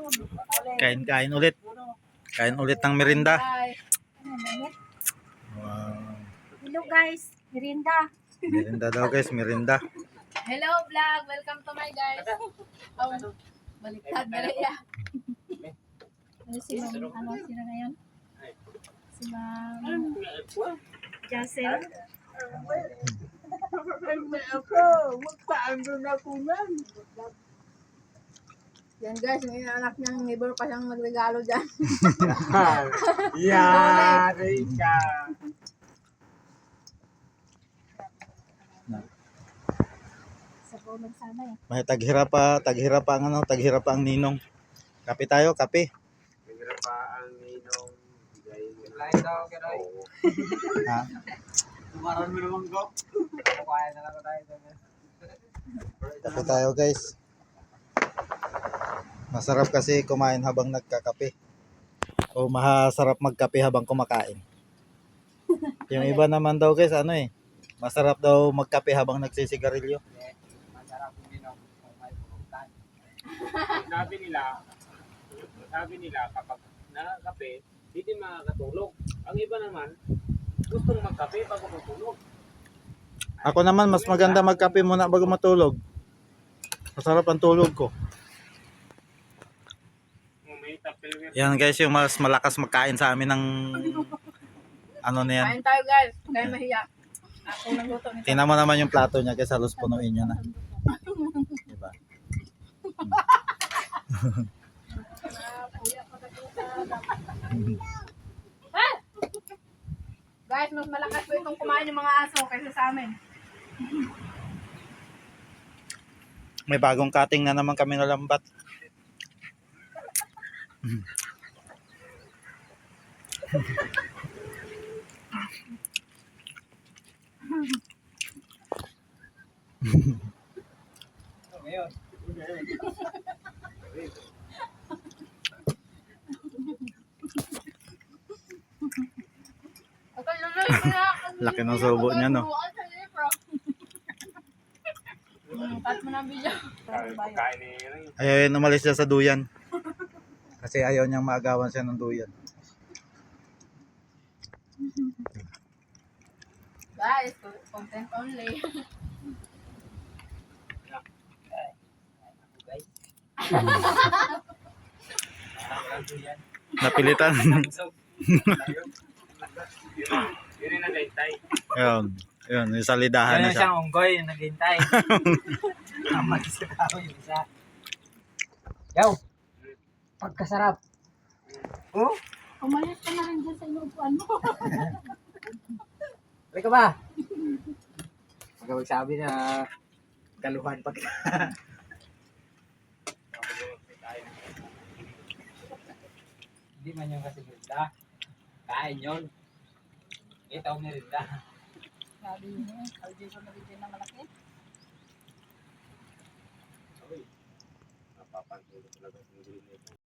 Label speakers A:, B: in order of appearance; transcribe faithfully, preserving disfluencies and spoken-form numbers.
A: Kain-kain ulit. Kain ulit ng merinda. Wow.
B: Hello guys, merinda.
A: Merinda daw guys, merinda.
B: Hello vlog, welcome to my guys. Oh, baliktad na rin ya. Ano si Ma'am, ano sila ngayon? Si Ma'am Jacel. Yan guys, may anak niyang neighbor pa siyang magregalo dyan.
C: Yari ka.
B: Sa kulog sana eh.
A: May taghirap pa, taghirap pa ang ano, taghirap pa ang ninong. Kape tayo, kape.
C: Mayroon pa ang ninong bigay. Lain daw, Keroy.
A: Ha?
C: Tumaran mo naman ko. Kaya na lang tayo.
A: Kape tayo guys. Masarap kasi kumain habang nagkakape. O masarap magkape habang kumakain. Yung iba naman daw guys, ano eh, masarap daw magkape habang nagsisigarilyo.
C: Masarap yung ninong kung may pulutan. Sabi nila, sabi nila kapag nakakape, hindi makakatulog. Ang iba naman, gustong magkape bago matulog.
A: Ako naman, mas maganda magkape muna bago matulog. Masarap ang tulog ko. Yan guys, yung mas malakas magkain sa amin ng ano na yan.
B: Kain tayo guys, kaya mahiya. Ako nagluto nito.
A: Tingnan mo naman yung plato niya guys, halos punuin niya na. Diba?
B: Guys, mas malakas po itong kumain ng mga aso kaysa sa amin.
A: May bagong cutting na naman kami na lambat.
C: Ngayon.
A: Laki ng subo niya, no?
B: Cut mo na ang video.
C: Pagkain ni Ring.
A: Ayaw yun, umalis siya sa duyan. Kasi ayaw niyang maagawan siya ng duyan.
B: Guys, content only.
A: Napilitan.
C: Yun yung nag-aintay.
A: Ayun. Ayun, yung salidahan na
C: Yan
A: siya.
C: siyang unggoy yung nag-aintay. Naman sa tao yung isa. Yaw! Pagkasarap. Oh?
B: Umalis ka na rin dyan sa inuupuan mo.
C: Halika ba? Pagka magsabi na galuhan pag... Hindi man yung kasi merinda. Kain yun. Ito ang merinda.
B: Sabi niyo, kaldi ko na rin na malaki.
C: Napapansin ko talaga yung green nito.